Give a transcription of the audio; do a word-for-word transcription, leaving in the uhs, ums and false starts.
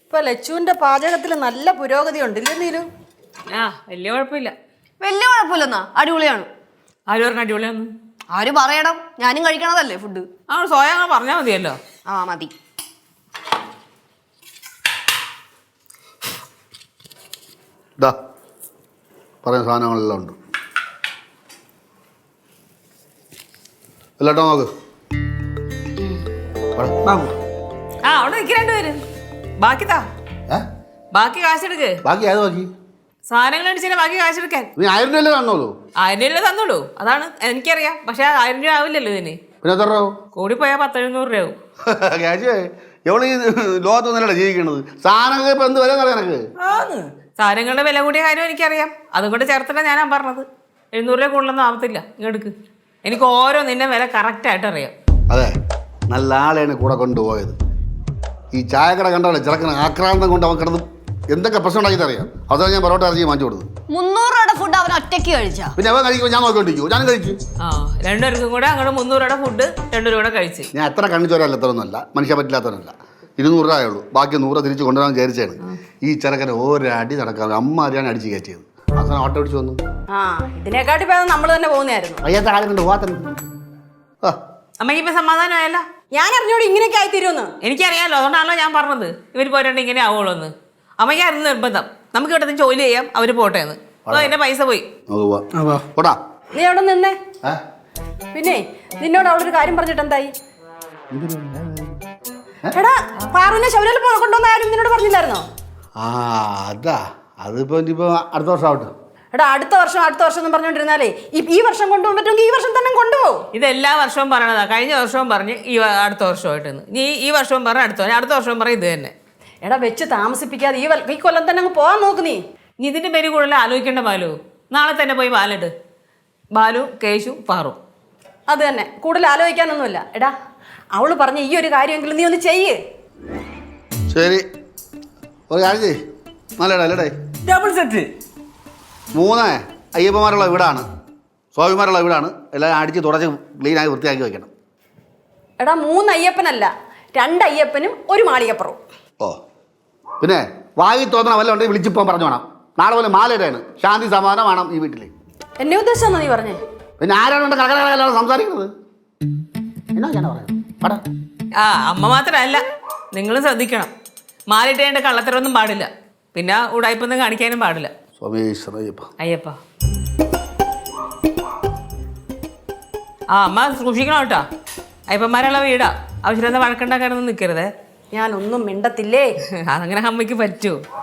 ഇപ്പൊ ലച്ചുവിന്റെ പാചകത്തിൽ നല്ല പുരോഗതി ഉണ്ട് ഇല്ലേ നീലു? ആ വലിയ കുഴപ്പമില്ല. വലിയ കുഴപ്പമില്ലെന്നാ, അടിപൊളിയാണ്. ആര് പറഞ്ഞ അടിപൊളിയാന്ന്? ആര് പറയണം, ഞാനും കഴിക്കണതല്ലേ ഫുഡ്. ആ സോയ അങ്ങനെ പറഞ്ഞാൽ മതിയല്ലോ. ആ മതി. ഇതാ പറയുന്ന സാധനങ്ങളെല്ലാം ഉണ്ട്. എല്ലാട്ടോ നോക്ക്. ആ അവിടെ നിൽക്കരണ്ട് പേര്. ബാക്കി താ, ഏ ബാക്കി കാശെടുക്ക്. ബാക്കി ആയത് നോക്കി. സാധനങ്ങൾ അടിച്ചാൽ ബാക്കി കാശെടുക്കാൻ. നീ ആയിരം രൂപ തന്നോളൂ. ആയിരം രൂപ തന്നോളൂ, അതാണ് എനിക്കറിയാം. പക്ഷെ ആയിരം രൂപ ആവില്ലല്ലോ ഇതിന്. പിന്നെ എത്ര രൂപ കൂടി പോയാൽ പത്തെഴുന്നൂറ് രൂപ ആവും. ക്യാഷ് എവിടെ ഈ ലോകത്തൊന്നല്ലേ ജീവിക്കണത്? സാധനങ്ങൾക്ക് ഇപ്പൊ എന്ത് വില അറിയാം എനക്ക്? സാധനങ്ങളുടെ വില കൂടിയ കാര്യം എനിക്കറിയാം. അതുകൊണ്ട് ചേർത്തിട്ടാണ് ഞാനാ പറഞ്ഞത്. എഴുന്നൂറ് രൂപ കൂടുതലൊന്നും ആവത്തില്ല. ഇങ്ങെടുക്ക്. എനിക്ക് ഓരോ നിന്റെ വില കറക്റ്റായിട്ട് അറിയാം. അതെ, നല്ല ആളെയാണ് കൂടെ കൊണ്ടുപോയത്. ഈ ചായക്കട കണ്ടോളെ ചെറുക്കണ ആക്രാന്തം കൊണ്ട് അവൻ കിടന്ന് എന്തൊക്കെ പ്രശ്നം ഉണ്ടാക്കിയിട്ട് അറിയാം. അതാണ് ഞാൻ പൊറോട്ട ഇറച്ചി വാങ്ങിച്ചു കൊടുത്തത്. മുന്നൂറ് രൂപയുടെ ഫുഡ് അവൻ ഒറ്റയ്ക്ക് കഴിച്ചാ. പിന്നെ അവൻ കഴിക്കുമ്പോൾ ഞാൻ നോക്കിക്കൊണ്ടിരിക്കും. ഞാൻ കഴിച്ചു. ആ രണ്ടുപേർക്കും കൂടെ അങ്ങോട്ട് മുന്നൂറ് രൂപയുടെ ഫുഡ് രണ്ടു രൂപ കൂടെ കഴിച്ച്. ഞാൻ എത്ര കണ്ണിച്ചോരല്ല എത്രയൊന്നുമല്ല, മനുഷ്യ പറ്റില്ലാത്തവനല്ല. ഇരുന്നൂറ് രൂപയേ ഉള്ളൂ, ബാക്കി നൂറ് തിരിച്ച് കൊണ്ടുവരാൻ വിചാരിച്ചാണ്. ഈ ചെറുക്കനെ ഒരടി നടക്കാൻ അമ്മ അറിയാണ് അടിച്ച് കയറ്റിയത്. അവസാനം ഓട്ടോ അടിച്ച് വന്നു. ആ ഇതിനെക്കാട്ടി പേര് നമ്മൾ തന്നെ പോകുന്നതായിരുന്നു. അയ്യാത്ത കാലം കൊണ്ട് പോകാത്തന്നെ. ആ അമ്മയ്ക്ക് ഇപ്പൊ സമാധാനമായല്ല? ഞാൻ അറിഞ്ഞോട് ഇങ്ങനെയൊക്കെ ആയിത്തീരുമെന്ന് എനിക്കറിയാമല്ലോ, അതുകൊണ്ടാണല്ലോ ഞാൻ പറഞ്ഞത് ഇവർ പോരാണ്ട് ഇങ്ങനെ ആവുള്ളൂ എന്ന്. അമ്മയ്ക്കായിരുന്നു നിർബന്ധം. നമുക്ക് ഇവിടെ നിന്ന് ജോലി ചെയ്യാം, അവര് പോട്ടെ എന്ന്. അതോ എന്റെ പൈസ പോയി. പോടാ. നീ അവിടെ നിന്നേ. പിന്നെ നിന്നോട് അവളൊരു കാര്യം പറഞ്ഞിട്ട് എന്തായി? എടാ പാറുവിനെ ശബരിമല കൊണ്ടുവന്ന കാര്യം നിന്നോട് പറഞ്ഞില്ലായിരുന്നോ? ആ അതാ, അതിപ്പോ ഇനിയിപ്പോ അടുത്ത വർഷം ആവട്ടെ. എടാ അടുത്ത വർഷം അടുത്ത വർഷം എന്ന് പറഞ്ഞോണ്ടിരുന്നാലേ ഈ വർഷം കൊണ്ടുപോകാൻ പറ്റുമെങ്കിൽ ഈ വർഷം തന്നെ കൊണ്ടുപോകും. ഇത് എല്ലാ വർഷവും പറയണതാ. കഴിഞ്ഞ വർഷവും പറഞ്ഞ് ഈ അടുത്ത വർഷമായിട്ടെന്ന്. നീ ഈ വർഷവും പറഞ്ഞ അടുത്ത അടുത്ത വർഷവും പറയും ഇത് തന്നെ. എടാ വെച്ച് താമസിപ്പിക്കാതെ ഈ ഈ കൊല്ലം തന്നെ അങ്ങ് പോകാൻ നോക്ക് നീ. നീ ഇതിന്റെ പേര് കൂടുതൽ ആലോചിക്കേണ്ട ബാലു. നാളെ തന്നെ പോയി പാലിട്ട്. ബാലു, കേശു, പാറു. അത് തന്നെ, കൂടുതൽ ആലോചിക്കാനൊന്നുമില്ല. എടാ അവള് പറഞ്ഞ ഈ ഒരു കാര്യമെങ്കിലും നീ ഒന്ന് ചെയ്യ്. ശരി, ഒരു കാര്യം ചെയ്യ്. നല്ലടാ അല്ലേടേ. ഡബിൾ സെറ്റ് മൂന്ന് അയ്യപ്പന്മാരുള്ള വീടാണ്, സ്വാമിമാരുള്ള വീടാണ്. എല്ലാം അടിച്ച് തുടച്ച് ക്ലീനായി വൃത്തിയാക്കി വെക്കണം. എടാ മൂന്ന് അയ്യപ്പനല്ല, രണ്ട് അയ്യപ്പനും ഒരു മാളികപ്പുറവും. ഓ പിന്നെ വായി തോന്നണ വല്ല ഉണ്ടെങ്കിൽ വിളിച്ചിപ്പോൻ പറഞ്ഞു വേണം. നാളെ പോലെ മാലയുടെയാണ്, ശാന്തി സമാധാനം വേണം ഈ വീട്ടിൽ. എന്നെ ഉദ്ദേശിച്ചാണോ നീ പറഞ്ഞേ? പിന്നെ ആരാണ് കടകടകലാണ് സംസാരിക്കുന്നത്? എന്നാ ഞാൻ പറയാം. ആ അമ്മ മാത്രമല്ല, നിങ്ങളും ശ്രദ്ധിക്കണം. മാലിട്ടേണ്ട കള്ളത്തരൊന്നും പാടില്ല. പിന്നെ ഉടായ്പൊന്നും കാണിക്കാനും പാടില്ല. സ്വാമീശ്വരയ്യപ്പ അയ്യപ്പ. ആ അമ്മ സൂക്ഷിക്കണം കേട്ടോ. അയ്യപ്പന്മാരുള്ള വീടാ. ആവശ്യമില്ലാത്ത വഴക്കുണ്ടാക്കാനൊന്നും നിൽക്കരുതേ. ഞാനൊന്നും മിണ്ടത്തില്ലേ. അതങ്ങനെ അമ്മയ്ക്ക് പറ്റുമോ?